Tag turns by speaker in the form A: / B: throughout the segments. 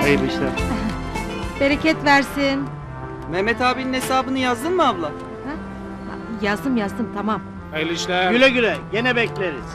A: Hayırlı işler.
B: Bereket versin.
C: Mehmet abinin hesabını yazdın mı abla?
B: Yazdım tamam.
A: Hayırlı işler.
D: Güle güle, gene bekleriz.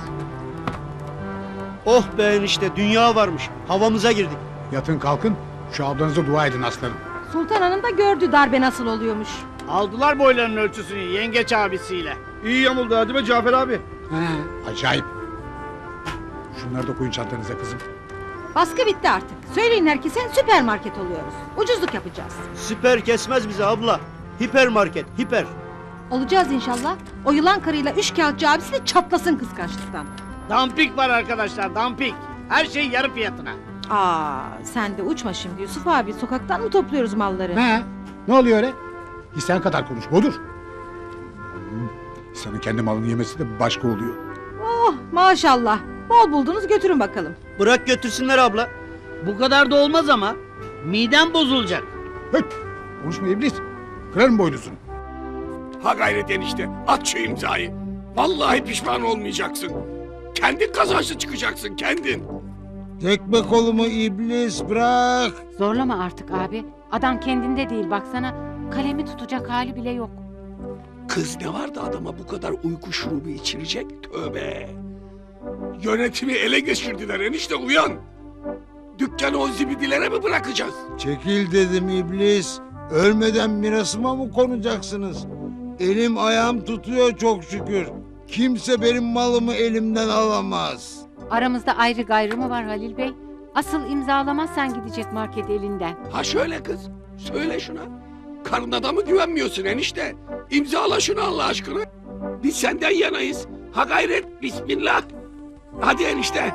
D: Oh be enişte, dünya varmış. Havamıza girdik.
E: Yatın kalkın, şu ablanıza dua edin aslanım.
B: Sultan Hanım da gördü darbe nasıl oluyormuş.
D: Aldılar boylarının ölçüsünü yengeç abisiyle.
A: İyi yamuldu hadi be Cafer abi.
E: He, acayip. Şunları da koyun çantanıza kızım.
B: Baskı bitti artık. Söyleyin herkese süpermarket oluyoruz. Ucuzluk yapacağız.
D: Süper kesmez bizi abla. Hipermarket, hiper.
B: Olacağız inşallah. O yılan karıyla üçkağıtçı abisi de çatlasın kıskançlıktan.
D: Dampik var arkadaşlar, dampik. Her şey yarı fiyatına.
B: Sen de uçma şimdi Yusuf abi. Sokaktan mı topluyoruz malları?
E: He, ne oluyor öyle? İsten kadar konuş, budur. İnsanın kendi malını yemesi de başka oluyor.
B: Oh maşallah. Bol buldunuz götürün bakalım.
D: Bırak götürsünler abla. Bu kadar da olmaz ama. Midem bozulacak.
E: Höt, konuşma iblis. Kırarım boynuzunu.
F: Ha gayret enişte, at şu imzayı. Vallahi pişman olmayacaksın. Kendin kazançlı çıkacaksın, kendin.
G: Tekme kolumu iblis bırak.
H: Zorlama artık abi. Adam kendinde değil baksana. Kalemi tutacak hali bile yok.
F: Kız ne var da adama bu kadar uyku şurubu içirecek? Tövbe. Yönetimi ele geçirdiler enişte, uyan. Dükkanı o zibidilere mi bırakacağız?
G: Çekil dedim iblis. Ölmeden mirasıma mı konacaksınız? Elim ayağım tutuyor çok şükür. Kimse benim malımı elimden alamaz.
H: Aramızda ayrı gayrı mı var Halil Bey? Asıl imzalamazsan gidecek market elinden.
F: Ha şöyle kız, söyle şuna. Karına da mı güvenmiyorsun enişte? İmzala şunu Allah aşkına. Biz senden yanayız. Ha gayret, bismillah. Hadi enişte.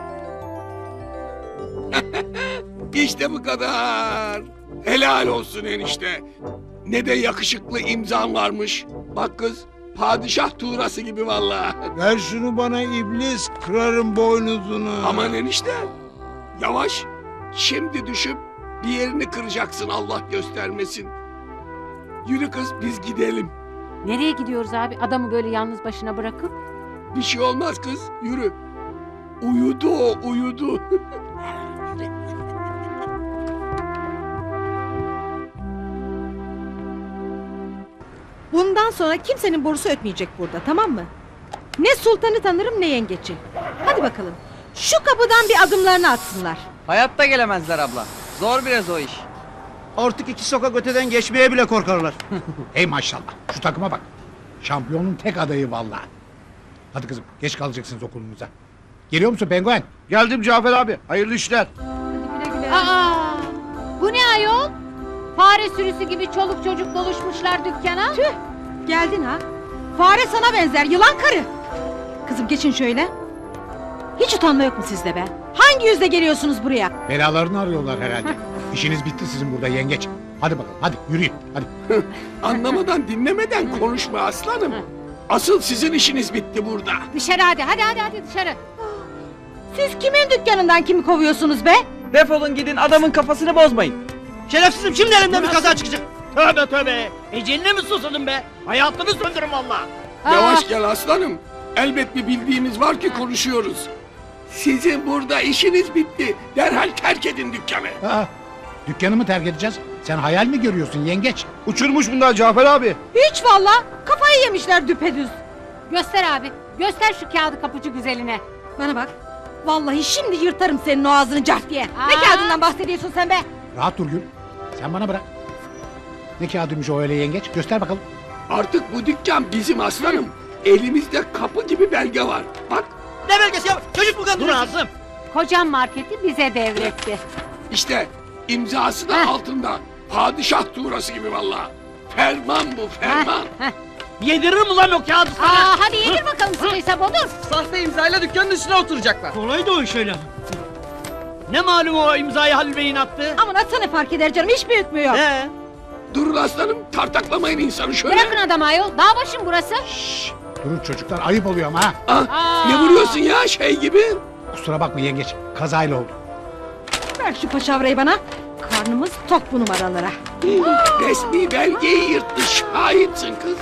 F: İşte bu kadar. Helal olsun enişte. Ne de yakışıklı imzan varmış. Bak kız, padişah tuğrası gibi vallahi.
G: Ver şunu bana iblis, kırarım boynuzunu.
F: Aman enişte. Yavaş. Şimdi düşüp bir yerini kıracaksın, Allah göstermesin. Yürü kız, biz gidelim.
H: Nereye gidiyoruz abi? Adamı böyle yalnız başına bırakıp?
F: Bir şey olmaz kız, yürü. Uyudu o, uyudu.
B: Bundan sonra kimsenin borusu ötmeyecek burada, tamam mı? Ne sultanı tanırım ne yengeci. Hadi bakalım. Şu kapıdan bir adımlarını atsınlar.
C: Hayatta gelemezler abla. Zor biraz o iş.
D: Artık iki sokak öteden geçmeye bile korkarlar.
E: Hey maşallah, şu takıma bak. Şampiyonun tek adayı vallahi. Hadi kızım, geç kalacaksınız okulunuza. Geliyor musun penguen?
A: Geldim Cafer abi. Hayırlı işler.
B: Hadi güle güle.
H: Aa! Bu ne ayol? Fare sürüsü gibi çoluk çocuk doluşmuşlar dükkana.
B: Tüh, geldin ha. Fare sana benzer, yılan karı. Kızım geçin şöyle. Hiç utanma yok mu sizde be? Hangi yüzle geliyorsunuz buraya?
E: Belalarını arıyorlar herhalde. İşiniz bitti sizin burada yengeç. Hadi bakalım, hadi yürüyün, hadi.
F: Anlamadan dinlemeden konuşma aslanım. Asıl sizin işiniz bitti burada.
H: Dışarı hadi dışarı.
B: Siz kimin dükkanından kimi kovuyorsunuz be?
C: Defolun gidin, adamın kafasını bozmayın.
D: Şerefsizim, şimdi elimden bir kaza çıkacak. Tövbe tövbe. Eceline mi susadın be? Hayatını söndürün valla.
F: Yavaş gel aslanım. Elbet bir bildiğimiz var ki konuşuyoruz. Sizin burada işiniz bitti. Derhal terk edin dükkanı.
E: Aa, dükkanımı terk edeceğiz. Sen hayal mi görüyorsun yengeç?
A: Uçurmuş bunlar Cafer abi.
B: Hiç valla. Kafayı yemişler düpedüz.
H: Göster abi. Göster şu kağıdı kapıcı güzeline.
B: Bana bak. Vallahi şimdi yırtarım senin o ağzını cart diye. Ne
H: Aa!
B: kağıdından bahsediyorsun sen be?
E: Rahat dur Gül. Sen bana bırak. Ne kağıdıymış o öyle yengeç? Göster bakalım.
F: Artık bu dükkan bizim aslanım. Elimizde kapı gibi belge var. Bak
D: Ne belgesi ya? Çocuk mu kandırıyorsun? Dur Asım.
H: Kocam marketi bize devretti.
F: işte imzası da altında. Padişah tuğrası gibi vallahi. Ferman bu, ferman.
D: Yediririm ulan o kağıdı sana.
H: Aa, hadi yedir bakalım sıkıysa bodur.
C: Sahte imzayla dükkanın üstüne oturacaklar.
D: Kolay da o iş öyle. Ne malum o imzayı Halil Bey'in attı?
B: Aman atsana fark eder canım hiç büyütmüyor.
F: Durun aslanım, tartaklamayın insanı şöyle.
H: Bırakın adamı ayol. Dağ başım burası.
E: Durun çocuklar, ayıp oluyor ama ha.
F: Ah, ne vuruyorsun ya şey gibi?
E: Kusura bakma yengeç, kazayla oldu.
B: Ver şu paşavrayı bana. Karnımız tok bu numaralara.
F: Resmi belgeyi yırttı, şahitsin kız.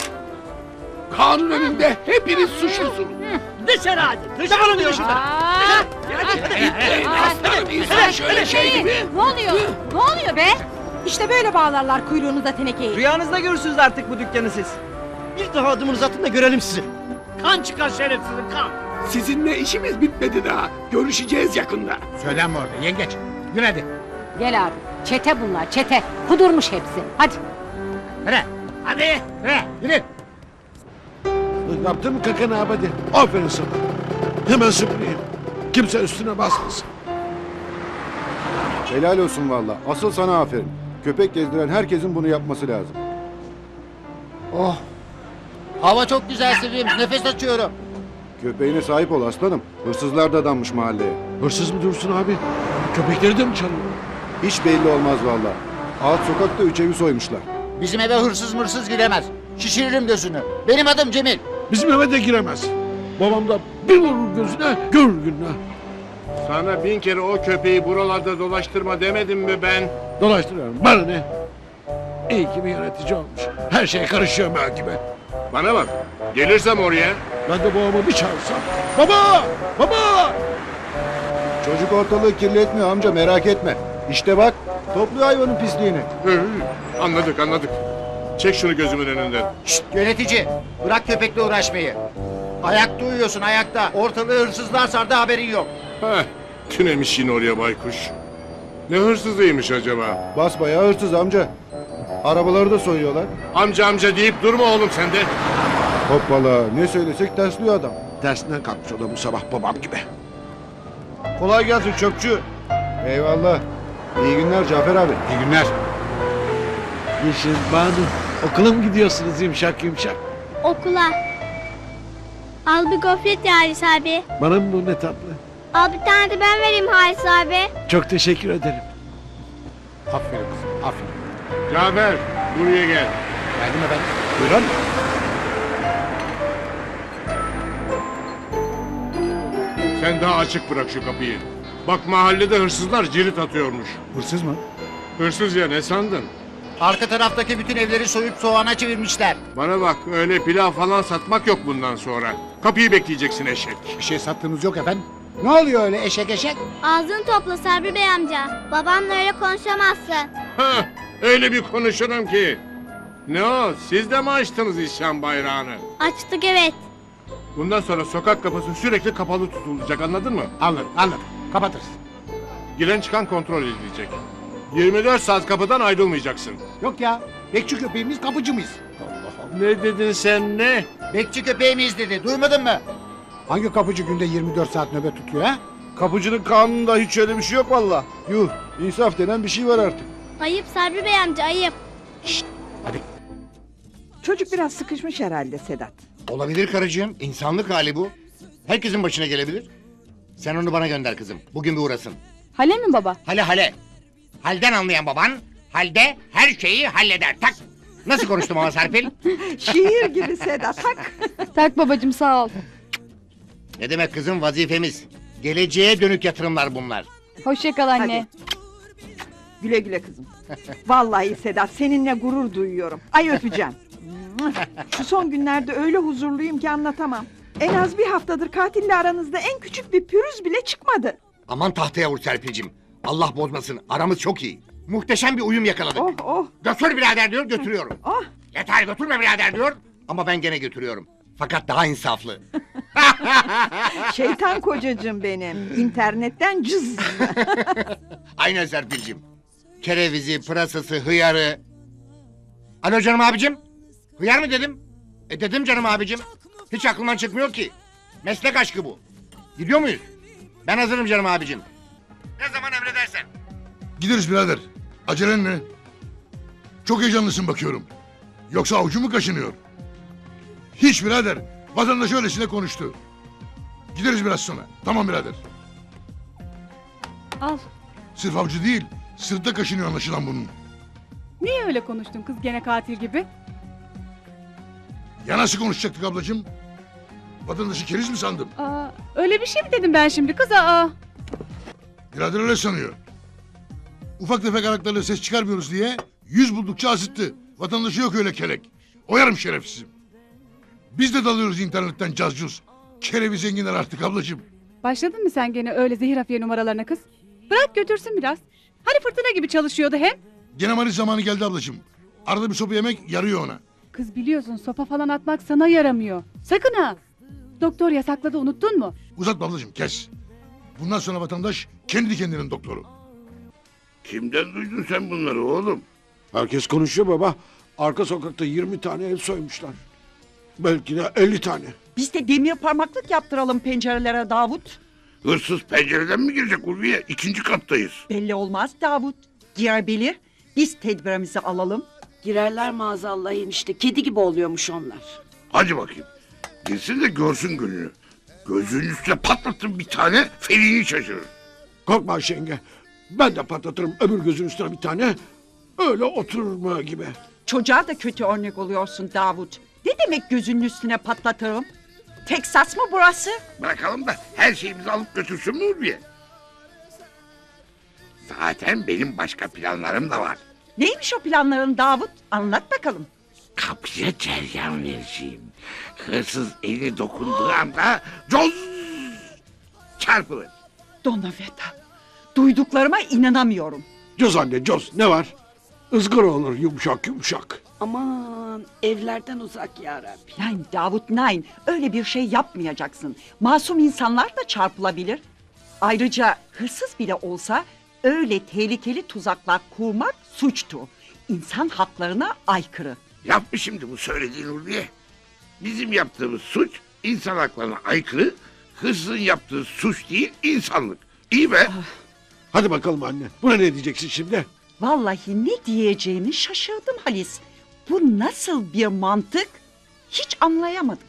F: Kanun önünde hepiniz suçlusunuz.
D: Dışarı hadi. Dışarı diyor şurada.
H: Aa,
D: Hadi.
F: Aslanım insan şöyle şey gibi.
B: Ne oluyor? Ne oluyor be? İşte böyle bağlarlar kuyruğunuza tenekeyi.
C: Rüyanızda görürsünüz artık bu dükkanı siz.
D: Bir daha adımınızı atın da görelim sizi. Kan çıkar şerefsizim kan.
F: Sizinle işimiz bitmedi daha. Görüşeceğiz yakında.
E: Söylenme orada yengeç. Yürü hadi.
H: Gel abi. Çete bunlar çete. Kudurmuş hepsi. Hadi.
E: Yürü. Hadi. Yürü. Yürü.
G: Yaptın mı kakanı abadi? Aferin sana. Hemen süpüreyim. Kimse üstüne basmasın.
A: Helal olsun valla. Asıl sana aferin. Köpek gezdiren herkesin bunu yapması lazım.
D: Oh. Hava çok güzel Sevim. Nefes açıyorum.
A: Köpeğine sahip ol aslanım. Hırsızlar da danmış mahalleye.
G: Hırsız mı Dursun abi? Köpekleri de mi çalıyor?
A: Hiç belli olmaz valla. Alt sokakta 3 evi soymuşlar.
D: Bizim eve hırsız giremez. Şişiririm gözünü. Benim adım Cemil.
G: Bizim eve de giremez. Babam da bir vurur gözüne, görür gününe.
I: Sana 1000 kere o köpeği buralarda dolaştırma demedim mi ben?
G: Dolaştırıyorum. Bana ne? İyi ki bir yönetici olmuş. Her şeye karışıyor belki be.
I: Bana bak, gelirsem oraya.
G: Ben de babamı bir çağırsam. Baba! Baba!
A: Çocuk ortalığı kirletmiyor amca merak etme. İşte bak topluyor hayvanın pisliğini.
I: Anladık. Çek şunu gözümün önünden.
D: Şşt yönetici. Bırak köpekle uğraşmayı. Ayakta uyuyorsun ayakta. Ortalığı hırsızlar sardı haberin yok.
I: Heh, tünemiş yine oraya baykuş. Ne hırsızıymış acaba?
A: Basbayağı hırsız amca. Arabaları da soyuyorlar.
I: Amca deyip durma oğlum sen de.
A: Hoppala ne söylesek tersliyor adam.
G: Dersinden kalkmış o da bu sabah babam gibi.
A: Kolay gelsin çöpçü. Eyvallah. İyi günler Cafer abi.
E: İyi günler.
G: Yeşil Banu. Okula mı gidiyorsunuz yumuşak yumuşak?
J: Okula. Al bir gofret ya Halis abi.
G: Bana mı bu ne tatlı?
J: Al bir tane de ben vereyim Halis abi.
G: Çok teşekkür ederim.
E: Aferin kızım. Aferin.
I: Cafer, buraya gel.
E: Geldim efendim.
A: Buyurun.
I: Sen daha açık bırak şu kapıyı. Bak mahallede hırsızlar cirit atıyormuş.
A: Hırsız mı?
I: Hırsız ya ne sandın?
D: Arka taraftaki bütün evleri soyup soğana çevirmişler.
I: Bana bak öyle pilav falan satmak yok bundan sonra. Kapıyı bekleyeceksin eşek.
E: Bir şey sattığınız yok efendim. Ne oluyor öyle eşek eşek?
J: Ağzını topla Sabri Bey amca. Babamla öyle konuşamazsın.
I: Hah, öyle bir konuşurum ki. Ne o siz de mi açtınız isyan bayrağını?
J: Açtık evet.
I: Bundan sonra sokak kapısı sürekli kapalı tutulacak anladın mı?
E: Anladım. Kapatırız.
I: Giren çıkan kontrol edilecek. 24 saat kapıdan ayrılmayacaksın.
E: Yok ya. Bekçi köpeğimiz kapıcı mıyız?
I: Ne dedin sen ne?
D: Bekçi köpeği miyiz dedi. Duymadın mı?
E: Hangi kapıcı günde 24 saat nöbet tutuyor ha?
A: Kapıcının kanununda hiç öyle bir şey yok valla. Yuh insaf denen bir şey var artık.
J: Ayıp Sabri Bey amca ayıp.
K: Çocuk biraz sıkışmış herhalde Sedat.
L: Olabilir karıcığım. İnsanlık hali bu. Herkesin başına gelebilir. Sen onu bana gönder kızım. Bugün bir uğrasın.
B: Hale mi baba?
L: Hale. Halden anlayan baban halde her şeyi halleder. Tak. Nasıl konuştum ama Serpil?
K: Şiir gibi Sedat. Tak.
B: Tak babacığım sağ ol.
L: Ne demek kızım vazifemiz. Geleceğe dönük yatırımlar bunlar.
B: Hoşça kal
K: anne. Güle güle kızım. Vallahi Sedat seninle gurur duyuyorum. Ay öpeceğim. Şu son günlerde öyle huzurluyum ki anlatamam. En az bir haftadır katille aranızda en küçük bir pürüz bile çıkmadı.
L: Aman tahtaya vur Serpil'cim. Allah bozmasın. Aramız çok iyi. Muhteşem bir uyum yakaladık.
K: Oh.
L: Götür birader diyor götürüyorum.
K: Oh.
L: Yeter götürme birader diyor. Ama ben gene götürüyorum. Fakat daha insaflı.
K: Şeytan kocacığım benim. İnternetten cız.
L: Aynen Serpil'cim. Kerevizi, pırasası, hıyarı. Alo canım abicim. Hıyar mı dedim? Dedim canım abicim. Hiç aklımdan çıkmıyor ki. Meslek aşkı bu. Gidiyor muyuz? Ben hazırım canım abicim. Ne zaman emredersen.
G: Gideriz birader. Acelen ne? Çok heyecanlısın bakıyorum. Yoksa avucu mu kaşınıyor? Hiç birader. Vatandaş öylesine konuştu. Gideriz biraz sonra. Tamam birader.
B: Al.
G: Sırf avcı değil, sırtta kaşınıyor anlaşılan bunun.
B: Niye öyle konuştun kız gene katil gibi?
G: Ya nasıl konuşacaktık ablacığım? Vatandaşı keriz mi sandım?
B: Öyle bir şey mi dedim ben şimdi kız?
G: Birader öyle sanıyor. Ufak tefek araklarla ses çıkarmıyoruz diye yüz buldukça azıttı. Vatandaşı yok öyle kelek. Oyarım şerefsizim. Biz de dalıyoruz internetten cazcuz. Kerevi zenginler artık ablacığım.
B: Başladın mı sen gene öyle zehir hafiye numaralarına kız? Bırak götürsün biraz. Hani fırtına gibi çalışıyordu hem.
G: Gene Maris zamanı geldi ablacığım. Arada bir sopa yemek yarıyor ona.
B: Kız biliyorsun sopa falan atmak sana yaramıyor. Sakın ha. Doktor yasakladı unuttun mu?
G: Uzatma ablacığım kes. Bundan sonra vatandaş kendi kendinin doktoru.
F: Kimden duydun sen bunları oğlum?
I: Herkes konuşuyor baba. Arka sokakta 20 tane ev soymuşlar. Belki de 50 tane.
K: Biz de demir parmaklık yaptıralım pencerelere Davut.
F: Hırsız pencereden mi girecek Ulviye? 2. kattayız.
K: Belli olmaz Davut. Girebilir. Biz tedbirimizi alalım.
M: Girerler maazallah enişte. Kedi gibi oluyormuş onlar.
F: Hadi bakayım. Girsin de görsün gününü. Gözünün üstüne patlatın bir tane felini şaşırır.
I: Korkma Ayşe yenge. Ben de patlatırım öbür gözün üstüne bir tane. Öyle oturur mu gibi.
K: Çocuğa da kötü örnek oluyorsun Davut. Ne demek gözünün üstüne patlatırım? Teksas mı burası?
F: Bırakalım da her şeyimizi alıp götürsün mü Ulviye? Zaten benim başka planlarım da var.
K: Neymiş o planların Davut? Anlat bakalım.
F: Kapıya ceryan vereceğim. Hırsız eli dokunduğu anda coz çarpılır.
K: Donaveta. Duyduklarıma inanamıyorum.
I: Coz anne coz ne var? Izgara olur yumuşak yumuşak.
M: Aman evlerden uzak ya Rabbi.
K: Nein Davut nein. Öyle bir şey yapmayacaksın. Masum insanlar da çarpılabilir. Ayrıca hırsız bile olsa öyle tehlikeli tuzaklar kurmak suçtur. İnsan haklarına aykırı.
F: Yapma şimdi bu söylediğin Ulviye. Bizim yaptığımız suç insan haklarına aykırı. Hırsızın yaptığı suç değil insanlık. İyi be.
I: Hadi bakalım anne. Buna ne diyeceksin şimdi?
K: Vallahi ne diyeceğimi şaşırdım Halis. Bu nasıl bir mantık? Hiç anlayamadım.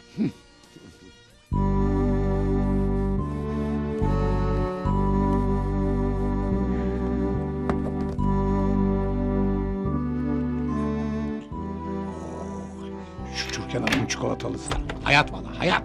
E: Şu Türkan Hanım'ın çikolatalısı. Hayat valla hayat.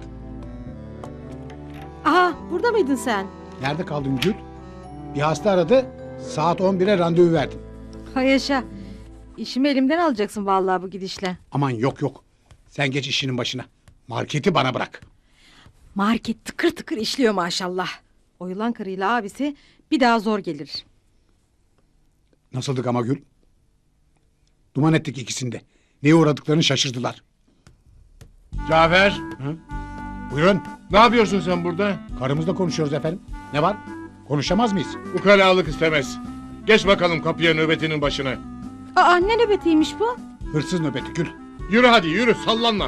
B: Aha burada mıydın sen?
E: Nerede kaldın Gül? Bir hasta aradı. Saat 11'e randevu verdim.
B: Hay yaşa. İşimi elimden alacaksın vallahi bu gidişle.
E: Aman yok yok. Sen geç işinin başına. Marketi bana bırak.
B: Market tıkır tıkır işliyor maşallah. O yılan karıyla abisi bir daha zor gelir.
E: Nasıldık ama Gül? Duman ettik ikisinde. Neye uğradıklarını şaşırdılar.
I: Cafer.
E: Buyurun.
I: Ne yapıyorsun sen burada?
E: Karımızla konuşuyoruz efendim. Ne var? Konuşamaz mıyız?
I: Ukalalık istemez. Geç bakalım kapıya nöbetinin başına.
B: Aa ne nöbetiymiş bu?
E: Hırsız nöbeti Gül.
I: Yürü hadi yürü sallanma.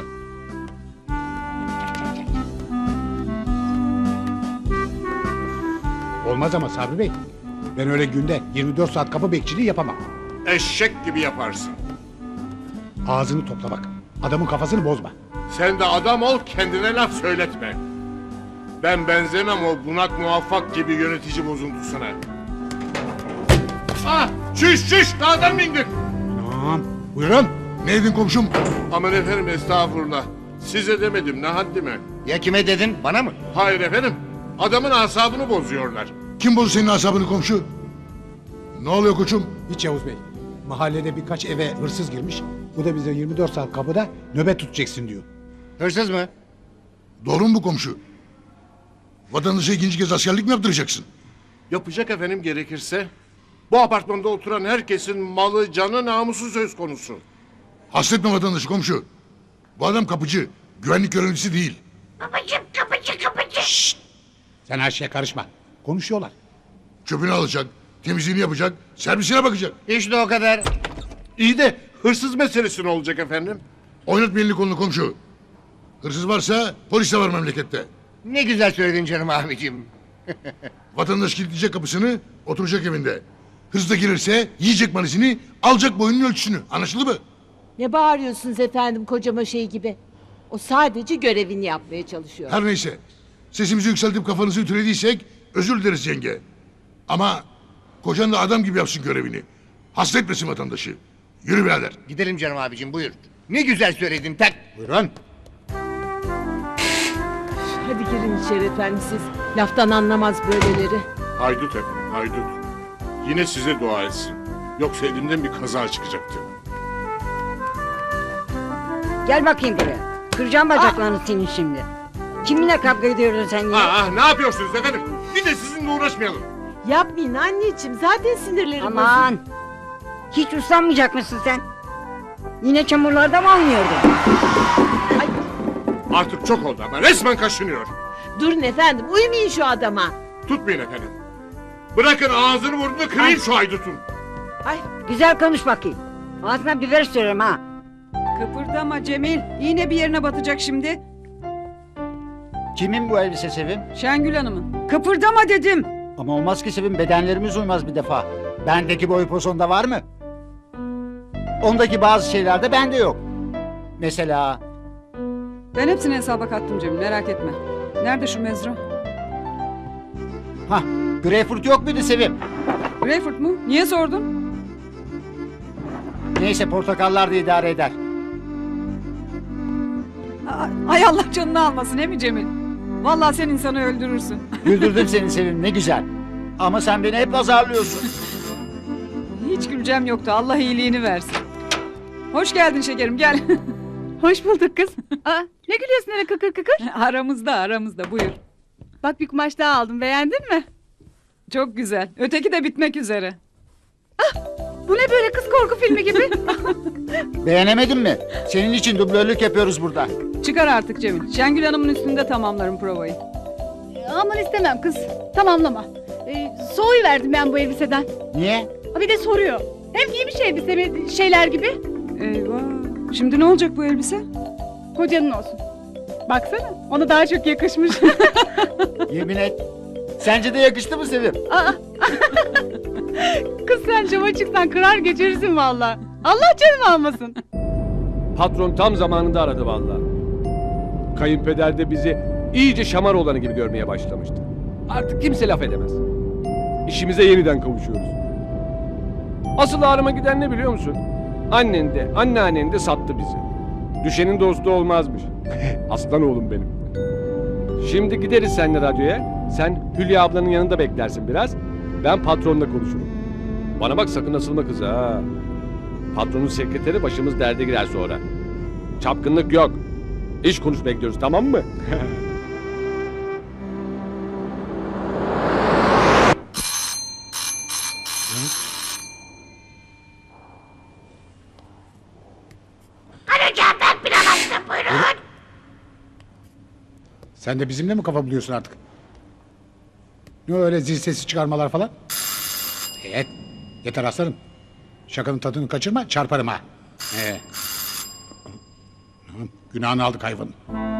E: Olmaz ama Sabri Bey. Ben öyle günde 24 saat kapı bekçiliği yapamam.
I: Eşek gibi yaparsın.
E: Ağzını topla bak. Adamın kafasını bozma.
I: Sen de adam ol kendine laf söyletme. Ben benzemem o bunak muvaffak gibi yönetici bozuntusuna. Ah! Çüş! Dağdan bindik!
E: Tamam. Buyurun.
G: Ne dedin komşum?
I: Aman efendim estağfurullah. Size demedim ne haddime.
L: Ya kime dedin? Bana mı?
I: Hayır efendim. Adamın asabını bozuyorlar.
G: Kim bozdu senin asabını komşu? Ne oluyor koçum?
E: Hiç Yavuz Bey. Mahallede birkaç eve hırsız girmiş. Bu da bize 24 saat kapıda nöbet tutacaksın diyor.
L: Hırsız mı?
G: Doğru mu bu komşu? Vatandaşa ikinci kez askerlik mi yaptıracaksın?
I: Yapacak efendim gerekirse. Bu apartmanda oturan herkesin malı, canı, namusu söz konusu.
G: Hasretme vatandaşı komşu. Bu adam kapıcı. Güvenlik görevlisi değil.
E: Sen her şeye karışma. Konuşuyorlar.
G: Çöpünü alacak, temizliğini yapacak, servisine bakacak.
L: İşte o kadar.
I: İyi de hırsız meselesi ne olacak efendim?
G: Oynatma elini kolunu komşu. Hırsız varsa polis de var memlekette.
L: Ne güzel söyledin canım abicim.
G: Vatandaş kilitleyecek kapısını, oturacak evinde. Hırsız da girerse yiyecek malisini, alacak boyunun ölçüsünü. Anlaşıldı mı?
M: Ne bağırıyorsunuz efendim kocama şey gibi? O sadece görevini yapmaya çalışıyor.
G: Her neyse. Sesimizi yükseltip kafanızı ütülediysek özür dileriz yenge. Ama kocan da adam gibi yapsın görevini. Hasta etmesin vatandaşı. Yürü birader.
L: Gidelim canım abicim buyur. Ne güzel söyledin tak.
E: Buyurun.
M: Hadi girin içeri efendim siz. Laftan anlamaz böyleleri.
I: Haydut efendim, haydut. Yine size dua etsin. Yoksa elimden bir kaza çıkacaktı.
M: Gel bakayım buraya. Kıracağım bacaklarını senin şimdi.
B: Kiminle kavga ediyorsun sen
I: Ne yapıyorsunuz efendim? Bir de sizinle uğraşmayalım.
M: Yapmayın anneciğim zaten sinirlerim bozuldu.
B: Aman! Hiç uslanmayacak mısın sen? Yine çamurlarda mı oynuyordun?
I: Artık çok oldu ama resmen kaşınıyor.
M: Durun efendim uyumayın şu adama.
I: Tutmayın efendim. Bırakın ağzını burnunu kırayım şu haydutun.
B: Güzel konuş bakayım. Ağzına biber sürüyorum ha.
K: Kıpırdama Cemil. İğne bir yerine batacak şimdi.
D: Kimin bu elbise Sevim?
K: Şengül Hanım'ın. Kıpırdama dedim.
D: Ama olmaz ki Sevim, bedenlerimiz uymaz bir defa. Bendeki boy posonda var mı? Ondaki bazı şeylerde bende yok. Mesela...
K: Ben hepsini hesaba kattım Cemil, merak etme. Nerede şu mezra?
D: Greyfurt yok muydu Sevim?
K: Greyfurt mu? Niye sordun?
D: Neyse, portakallar da idare eder.
K: Ay Allah canını almasın he mi Cemil? Vallahi sen insanı öldürürsün.
D: Güldürdüm seni Sevim, ne güzel. Ama sen beni hep azarlıyorsun.
K: Hiç güleceğim yoktu, Allah iyiliğini versin. Hoş geldin şekerim, gel. Hoş bulduk kız.
B: Ne gülüyorsun öyle kıkır kıkır?
K: Aramızda, buyur.
B: Bak bir kumaş daha aldım, beğendin mi?
K: Çok güzel, öteki de bitmek üzere.
B: Bu ne böyle kız korku filmi gibi?
D: Beğenemedin mi? Senin için dublörlük yapıyoruz burada.
K: Çıkar artık Cemil, Şengül Hanım'ın üstünde tamamlarım provayı.
B: Aman istemem kız, tamamlama. Soğuyiverdim ben bu elbiseden.
D: Niye?
B: Bir de soruyor. Hem giymiş elbise mi şeyler gibi?
K: Eyvah, şimdi ne olacak bu elbise?
B: Kocanın olsun. Baksana, ona daha çok yakışmış.
D: Yemin et. Sence de yakıştı mı Sevim?
B: Kız sen cama çıksan kırar geçirirsin valla. Allah canını almasın.
N: Patron tam zamanında aradı vallahi. Kayınpeder de bizi iyice şamar olanı gibi görmeye başlamıştı. Artık kimse laf edemez. İşimize yeniden kavuşuyoruz. Asıl ağrıma giden ne biliyor musun? Annen de, anneannen de sattı bizi. Düşenin dostu olmazmış. Aslan oğlum benim. Şimdi gideriz seninle radyoya. Sen Hülya ablanın yanında beklersin biraz. Ben patronla konuşurum. Bana bak, sakın asılma kıza ha. Patronun sekreteri, başımız derde girer sonra. Çapkınlık yok. İş konuş bekliyoruz, tamam mı?
E: Sen de bizimle mi kafa buluyorsun artık? Ne öyle zil sesi çıkarmalar falan? Evet. Yeter aslanım. Şakanın tadını kaçırma, çarparım ha. Günahını aldık hayvanın.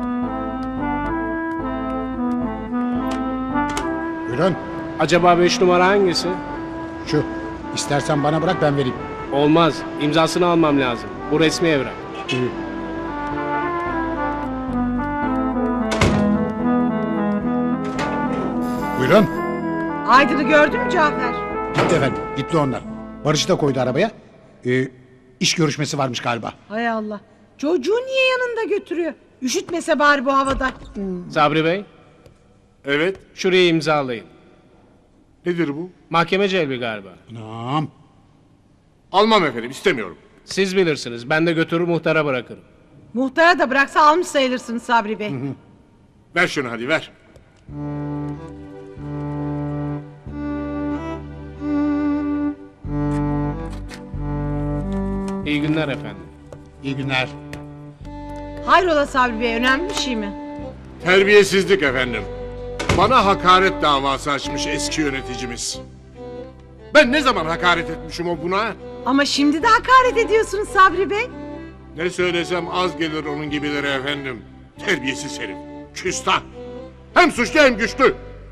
E: Buyurun.
N: Acaba 5 numara hangisi?
E: Şu. İstersen bana bırak, ben vereyim.
N: Olmaz. İmzasını almam lazım. Bu resmi evrak.
E: Buyurun.
M: Aydın'ı gördün mü Cafer?
E: Gitti efendim. Gitti onlar. Barış'ı da koydu arabaya. İş görüşmesi varmış galiba.
M: Hay Allah. Çocuğu niye yanında götürüyor? Üşütmese bari bu havada.
N: Sabri Bey,
I: Evet.
N: şurayı imzalayın.
I: Nedir bu?
N: Mahkeme celbi galiba.
E: Anam.
I: Almam efendim, istemiyorum.
N: Siz bilirsiniz. Ben de götürür muhtara bırakırım.
M: Muhtara da bıraksa almış sayılırsınız Sabri Bey.
I: Ver şunu hadi, ver.
N: İyi günler efendim.
E: İyi günler.
M: Hayrola Sabri Bey, önemli bir şey mi?
I: Terbiyesizlik efendim. Bana hakaret davası açmış eski yöneticimiz. Ben ne zaman hakaret etmişim o buna?
M: Ama şimdi de hakaret ediyorsunuz Sabri Bey.
I: Ne söylesem az gelir onun gibileri efendim. Terbiyesiz herif. Küstah. Hem suçlu hem güçlü.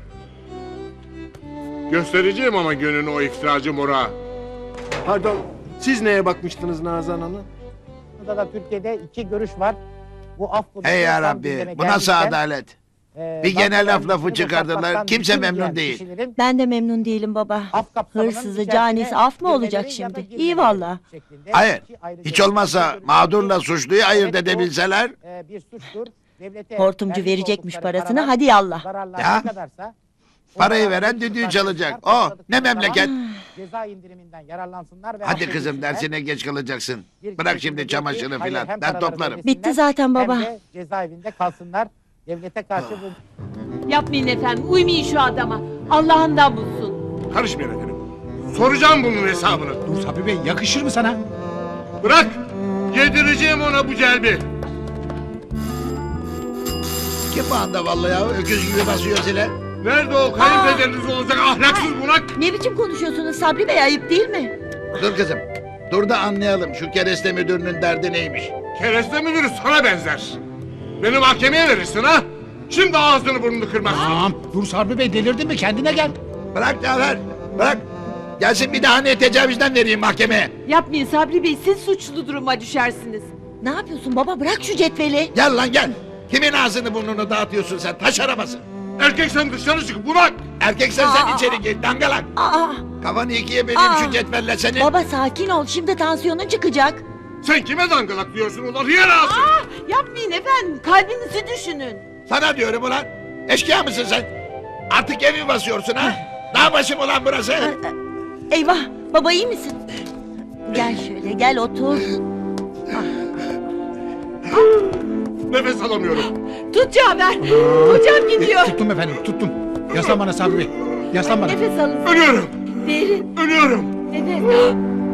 I: Göstereceğim ama gönlünü o iftiracı mora.
D: Pardon, siz neye bakmıştınız Nazan Hanım?
L: Burada da Türkiye'de iki görüş var. Bu af
D: Hey yarabbi, bu nasıl adalet? Bir gene lafı çıkardılar, kimse memnun değil.
J: Ben de memnun değilim baba. Hırsızı, canisi af mı olacak şimdi? İyi valla.
D: Hayır, hiç olmazsa mağdurla suçluyu ayırt edebilseler.
J: Hortumcu verecekmiş parasını, hadi yallah.
D: Ya, parayı veren düdüğü çalacak. O, ne memleket?
L: Ceza indiriminden yararlansınlar ve
D: Hadi kızım, dersine geç kalacaksın. Bırak şimdi çamaşırı filan, ben toplarım.
J: Bitti zaten baba.
L: Hem de cezaevinde kalsınlar.
D: Devlete karşı bu.
M: Yapmayın efendim, uymayın şu adama. Allah'ından bulsun.
I: Karışmayın efendim. Soracağım bunun hesabını.
E: Dur Sabri Bey yakışır mı sana?
I: Bırak. Yedireceğim ona bu celbi.
A: Kim bu anda vallahi ya? Öküz gibi basıyor zile.
I: Nerede o kayınpederiniz olacak ahlaksız bunak?
M: Ne biçim konuşuyorsunuz Sabri Bey, ayıp değil mi?
A: Dur kızım. Dur da anlayalım şu kereste müdürünün derdi neymiş.
I: Kereste müdürü sana benzer. Beni mahkemeye verirsin ha? Şimdi ağzını burnunu kırmazsın.
E: Tamam. Dur Sabri Bey delirdin mi? Kendine gel.
A: Bırak Cafer. Bırak. Gelsin bir daha ne tecavüzden vereyim mahkemeye.
M: Yapmayın Sabri Bey, siz suçlu duruma düşersiniz. Ne yapıyorsun baba, bırak şu cetveli.
A: Gel lan gel. Kimin ağzını burnunu dağıtıyorsun sen? Taş arabası.
I: Erkek sen dışarı çık bunak.
A: Erkeksen sen içeri gir dangalak.
M: Aa,
A: Kafanı ikiye böleyim şu cetvelle senin.
M: baba sakin ol, şimdi tansiyonun çıkacak.
I: Sen kime dangalak diyorsun ulan hıyar ağası?
M: Yapmayın efendim, kalbinizi düşünün.
A: Sana diyorum ulan. Eşkıya mısın sen? Artık evi basıyorsun ha? Dağ başı mı ulan burası?
M: Eyvah, baba iyi misin? Gel şöyle, gel otur.
I: Nefes alamıyorum.
M: Tut Cafer, hocam gidiyor.
E: Tuttum efendim tuttum. Yaslan bana Sabri Bey. Yaslan bana.
M: Nefes alın.
I: Ölüyorum.
M: Derin,
I: Ölüyorum.
M: nefes.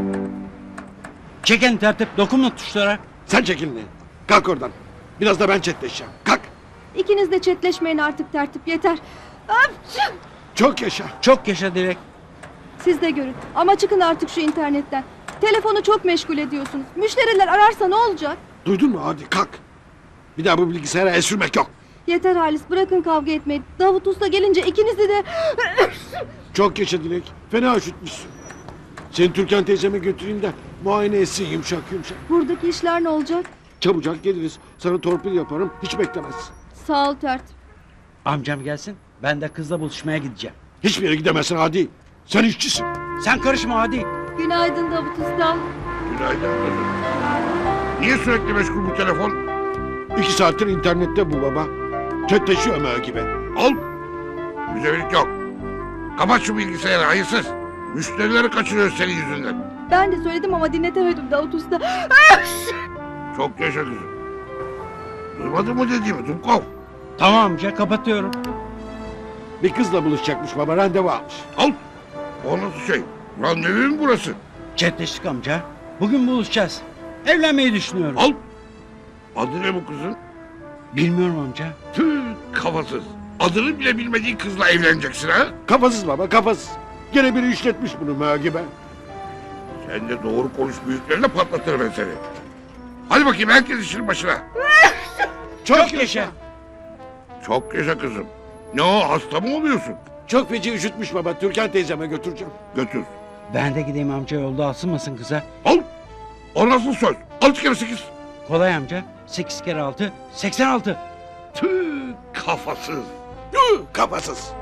C: Çeken tertip dokunma tuşlara.
F: Sen çekil lan. Kalk oradan. Biraz da ben çetleşeceğim. Kalk.
J: İkiniz de çetleşmeyin artık tertip yeter.
F: Çok yaşa.
C: Çok yaşa Dilek.
J: Siz de görün. Ama çıkın artık şu internetten. Telefonu çok meşgul ediyorsunuz. Müşteriler ararsa ne olacak?
F: Duydun mu? Hadi kalk. Bir daha bu bilgisayara el sürmek yok.
J: Yeter Halis, bırakın kavga etmeyi. Davut Usta gelince ikinizi de...
F: Çok yaşa Dilek. Fena üşütmüşsün. Seni Türkan teyzeme götüreyim de muayene etsin yumuşak yumuşak.
J: Buradaki işler ne olacak?
F: Çabucak geliriz. Sana torpil yaparım. Hiç beklemezsin.
J: Sağ ol tertip.
C: Amcam gelsin. Ben de kızla buluşmaya gideceğim.
F: Hiçbir yere gidemezsin Hadi. Sen işçisin.
C: Sen karışma hadi.
J: Günaydın Davut Usta.
G: Günaydın kızım. Niye sürekli meşgul bu telefon?
F: 2 saattir internette bu baba. Çetleşiyor ama gibi.
G: Al. Müzevilik yok. Kapat şu bilgisayarı hayırsız. Müşterileri kaçırıyoruz senin yüzünden.
J: Ben de söyledim ama dinletemedim Davut Usta.
G: Çok yaşa kızım. Duymadın mı dediğimi Dumkov?
C: Tamam amca kapatıyorum.
F: Bir kızla buluşacakmış baba. Randevu almış.
G: Al. O nasıl şey? Randevu mu burası?
C: Chatleştik amca. Bugün buluşacağız. Evlenmeyi düşünüyorum.
G: Al. Adı ne bu kızın?
C: Bilmiyorum amca.
G: Tüh kafasız. Adını bile bilmediğin kızla evleneceksin ha?
F: Kafasız baba kafasız. Gene biri işletmiş bunu gibi.
G: Sen de doğru konuş büyüklerine patlatırım ben seni. Hadi bakayım herkes işin başına.
F: Çok yaşa.
G: Çok yaşa kızım. Ne o hasta mı oluyorsun?
F: Çok feci üşütmüş baba. Türkan teyzeme götüreceğim.
G: Götür.
C: Ben de gideyim amca, yolda asılmasın kıza.
G: Al. O nasıl söz? 6 kere 8.
C: Kolay amca. 8 kere 6, 86.
G: Tüh kafasız.
F: Kafasız.